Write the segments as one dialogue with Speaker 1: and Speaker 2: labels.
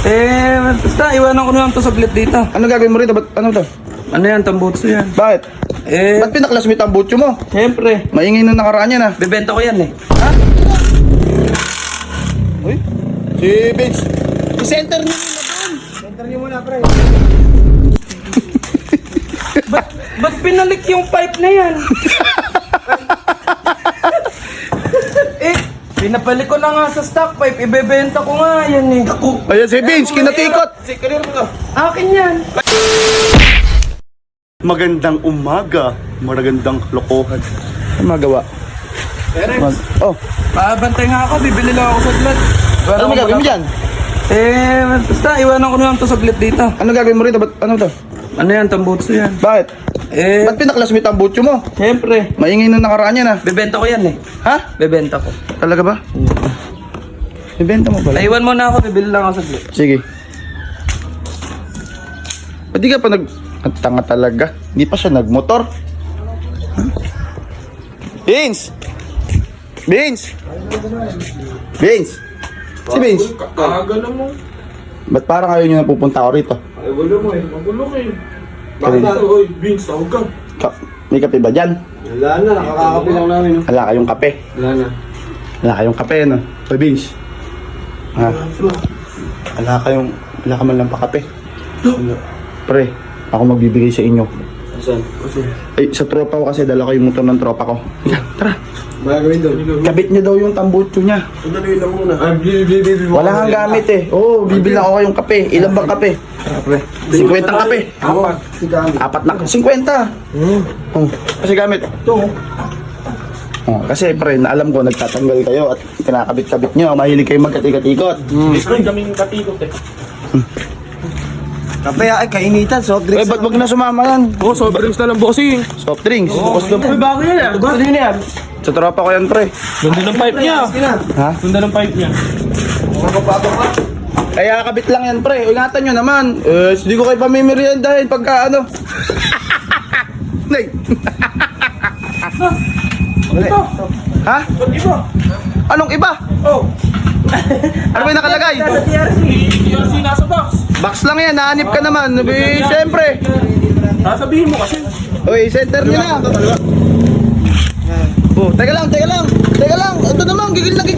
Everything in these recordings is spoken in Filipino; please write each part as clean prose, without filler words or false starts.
Speaker 1: Basta iwanan ko na lang to saglit dito.
Speaker 2: Ano gagawin mo rito? Ba't ano to?
Speaker 1: Ano yan, tambutso yan.
Speaker 2: Bakit? Ba't pinaklasmit ang butyo mo?
Speaker 1: Siyempre.
Speaker 2: Maingay na nakaraan yan, ha?
Speaker 1: Bebenta ko yan eh.
Speaker 2: Ha? Uy, si Vince. I-center niyo muna doon. Center niyo muna, pre.
Speaker 1: Ba't pinalik yung pipe na yan? Pinapalik ko na nga sa stock pipe. Ibebenta ko nga yan eh.
Speaker 2: Ayan si Vince, kinatikot.
Speaker 1: Kanino mo to? Akin yan.
Speaker 2: Magandang umaga, magandang lokohan. Ano magawa? Oh,
Speaker 1: Pabantay nga ako, bibili lang ako saglit.
Speaker 2: ano may gagawin mo dyan?
Speaker 1: Basta iwanan ko na lang to saglit dito.
Speaker 2: Ano gagawin mo rito? Ba't ano to?
Speaker 1: Ano yan, tambutso yan.
Speaker 2: Bakit? Ba't pinaklasmit ang butyo mo?
Speaker 1: Siyempre.
Speaker 2: Maingay na nakaraan yan, ha?
Speaker 1: Bebenta ko yan eh.
Speaker 2: Ha?
Speaker 1: Bebenta ko.
Speaker 2: Talaga ba? Ibenta mo pala.
Speaker 1: Iwan mo na ako, bibili lang ako saglit.
Speaker 2: Sige. Ba't di ka pa Ang tanga talaga. Hindi pa siya nagmotor. Huh? Vince! Vince! Vince! Si Vince!
Speaker 3: Kagano mo.
Speaker 2: Ba't parang ayaw nyo na pupunta ako rito?
Speaker 3: Ay, wala mo eh. Magulo ka eh. Bakit na? Oy, Vince, tawag ka.
Speaker 2: May kape ba dyan?
Speaker 3: Wala na, nakakakapi lang namin.
Speaker 2: Wala kayong kape.
Speaker 3: Wala na.
Speaker 2: Wala kayong kape, no? Oy, Vince. Ha? Wala ka man lang pa kape. Pre, ako magbibigay sa inyo.
Speaker 3: Saan?
Speaker 2: Ay, sa tropa ko kasi dala ko yung motor ng tropa ko. Tara,
Speaker 3: Magagawin doon.
Speaker 2: kabit niya daw yung tambutso niya.
Speaker 3: Sandali lang muna. Ay, bibi mo.
Speaker 2: Wala kang gamit eh. Oo, bibili ako kayong kape. Ilan bang kape? Pre, 50 kape.
Speaker 3: Apat. Si Gamit.
Speaker 2: Apat na, 50. Oh, kasi gamit.
Speaker 3: Ito.
Speaker 2: Oh, kasi pre, naalam ko nagtatanggal kayo at kinakabit-kabit nyo. Mahilig kayo magkatikot-ikot.
Speaker 3: Ay, kaming katikot eh. Kape ay kainitan, soft
Speaker 2: Eh, ba't wag na sumama yan?
Speaker 3: Oh, soft drinks na lang, bossing.
Speaker 2: Soft drinks.
Speaker 3: Uy, bago yan ah. Gusto din yan.
Speaker 2: Sa tropa ko yan, pre.
Speaker 3: Ganda ng pipe niya.
Speaker 2: Ha?
Speaker 3: Ganda ng pipe niya.
Speaker 2: Kaya kabit lang yan, pre. Ingatan nyo naman. Hindi ko kayo pamimeriendahin pagka ano. Nay.
Speaker 3: Ito.
Speaker 2: Ha?
Speaker 3: Iba.
Speaker 2: Anong iba?
Speaker 3: Oh.
Speaker 2: Ano ba yung nakalagay?
Speaker 3: TRC nasa box.
Speaker 2: Box lang yan, nahanip ka naman. Siyempre.
Speaker 3: Sasabihin mo kasi.
Speaker 2: Uy, center nyo na. Oh, teka lang. Ito naman, gigil na.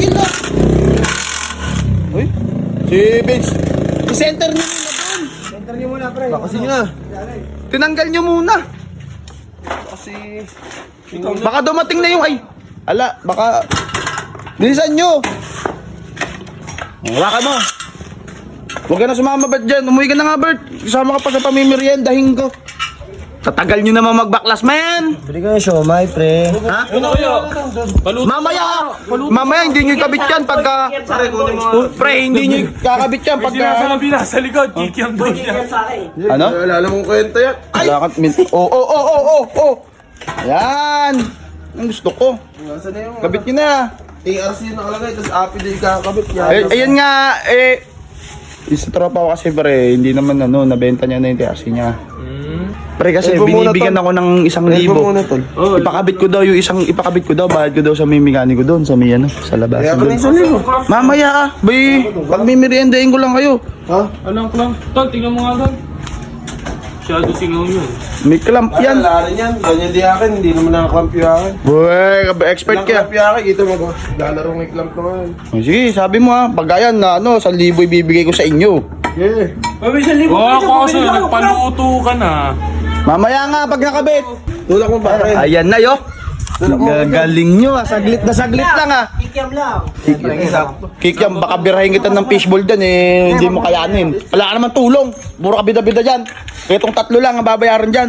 Speaker 2: Uy, si Vince. I-center nyo muna doon.
Speaker 3: Center niyo muna, pre. Bakasin niyo na.
Speaker 2: Tinanggal nyo muna.
Speaker 3: Kasi...
Speaker 2: Baka dumating na yung baka bilisan nyo. Wala ka mo. Huwag ka na sumama ba't dyan. Umuwi ka na nga, Bert. Kasama ka pa sa pamimeriendahin ko. Tatagal nyo naman magbaklas, man.
Speaker 3: Bili ko yung siomay, pre.
Speaker 2: Ha?
Speaker 3: Ano kaya? Paluto.
Speaker 2: Mamaya hindi nyo ikabit yan pagka... Pre, hindi nyo kakabit yan pagka...
Speaker 3: Sinasabi na sa likod, kikiyam daw siya.
Speaker 2: Ano?
Speaker 3: Alam mong kwento yan.
Speaker 2: Wala ka... Oh. Ayan. Ang gusto ko.
Speaker 3: Nasaan na yung...
Speaker 2: Kabit nyo na.
Speaker 3: TRC yung nakalagay, tapos API din kakabit.
Speaker 2: Ayan nga, sa tropa ko kasi pre, hindi naman nabenta niya na yung TRC niya. Pre kasi binibigyan ako ng 1,000. Ipakabit ko daw, bayad ko daw sa may mekaniko doon, sa may sa labas.
Speaker 3: Kaya pa na 1,000.
Speaker 2: Mamaya bay, pag may meriendahin ko lang kayo.
Speaker 3: Ha?
Speaker 4: Alam ko lang. Tol, tingnan mo nga doon. Masyado singaw yun.
Speaker 2: May clamp yan.
Speaker 3: Wala rin yan. Ganyan di akin, hindi naman nakaklamp yung akin.
Speaker 2: Boy, expert ka.
Speaker 3: Clamp yung akin, ito maglalaro ng clamp naman.
Speaker 2: Sige, sabi mo ha, pag ayan na 1,000 ibibigay ko sa inyo.
Speaker 3: Yeah.
Speaker 4: Oo, ako kasi nagpaluto ka na.
Speaker 2: Mamaya nga pag nakabit.
Speaker 3: Tulak mo ba rin?
Speaker 2: Ayan na yo. Gagaling nyo saglit na saglit lang
Speaker 3: Kikiam lang.
Speaker 2: Kikyam, baka birahin kita ng fishball dyan hindi mo kayanin. Wala ka naman tulong, puro ka bida-bida dyan. Itong 3 lang ang babayaran dyan.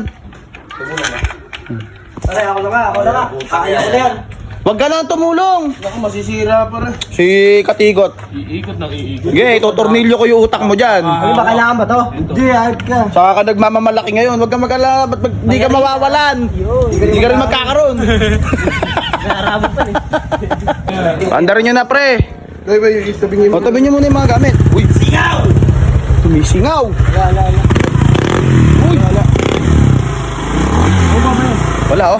Speaker 3: Aray, ako na ka. Kaya ko na yan.
Speaker 2: Huwag ka na tumulong.
Speaker 3: Ako masisira pa rin.
Speaker 2: Si Katigot.
Speaker 4: Iikot ng iikot.
Speaker 2: Sige, tutornilyo ko yung utak mo dyan.
Speaker 3: Ano ba, kailangan ba to? Hindi, ayot ka.
Speaker 2: Saka ka nagmamamalaki ngayon, huwag ka mag-alala, ba't hindi ka mawawalan? Hindi ka rin magkakaroon.
Speaker 3: Naarabot pa eh.
Speaker 2: Andarin nyo na pre.
Speaker 3: Ay ba, yung istabing
Speaker 2: O, tabi nyo muna yung mga gamit. Uy, singaw! Tumisingaw.
Speaker 3: Wala.
Speaker 2: Uy, wala oh.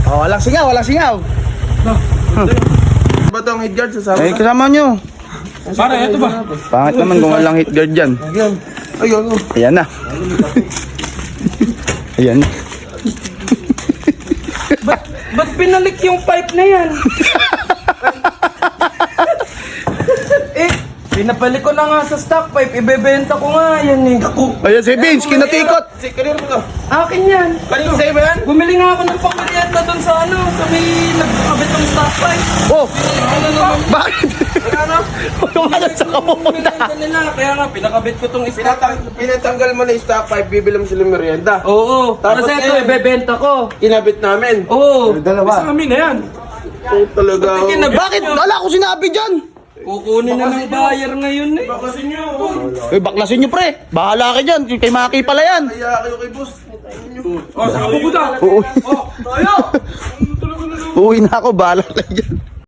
Speaker 2: Walang singaw.
Speaker 3: Ba itong headguard sa
Speaker 2: Eh, kasama nyo.
Speaker 4: Pare, eto ba?
Speaker 2: Pangit naman kung walang hit guard dyan.
Speaker 3: Ayun, oh.
Speaker 2: Ayan na. Ayan.
Speaker 1: Ba't pinalik yung pipe na yan? Eh, pinapalik ko na nga sa stock pipe, ibebenta ko nga yan eh.
Speaker 2: Ayan si Vince, kinatikot.
Speaker 3: Kanino mo to?
Speaker 1: Akin yan.
Speaker 3: Kanino sa'yo ba yan?
Speaker 1: Bumili nga ako ng pangkuryenta doon sa ano, sa may nagkakabit ng stock pipe.
Speaker 2: Oh, bakit? Wala na sa kapupunta.
Speaker 1: Pinakabit nila, kaya nga pinakabit ko tong stock pipe.
Speaker 3: Pinatanggal mo na yung stock pipe, bibili mo sila merienda.
Speaker 1: Oo,
Speaker 3: Tapos
Speaker 1: kasi ito
Speaker 3: ngayon,
Speaker 1: ibebenta ko.
Speaker 3: Kinabit namin.
Speaker 1: Oo.
Speaker 3: Dalawa.
Speaker 4: Amin na yan.
Speaker 3: Oh, talaga.
Speaker 1: Kinabit
Speaker 2: Bakit?
Speaker 1: nyo.
Speaker 2: Wala ko sinabi dyan.
Speaker 1: Kukunin na ng buyer ngayon eh.
Speaker 3: Bakasin nyo.
Speaker 2: Baklasin nyo pre. Bahala ka dyan. Kay Maki pala yan.
Speaker 3: Kaya kayo kay boss.
Speaker 4: Oh, saan ka pupunta?
Speaker 2: Uuwi na ako. Bahala ka dyan.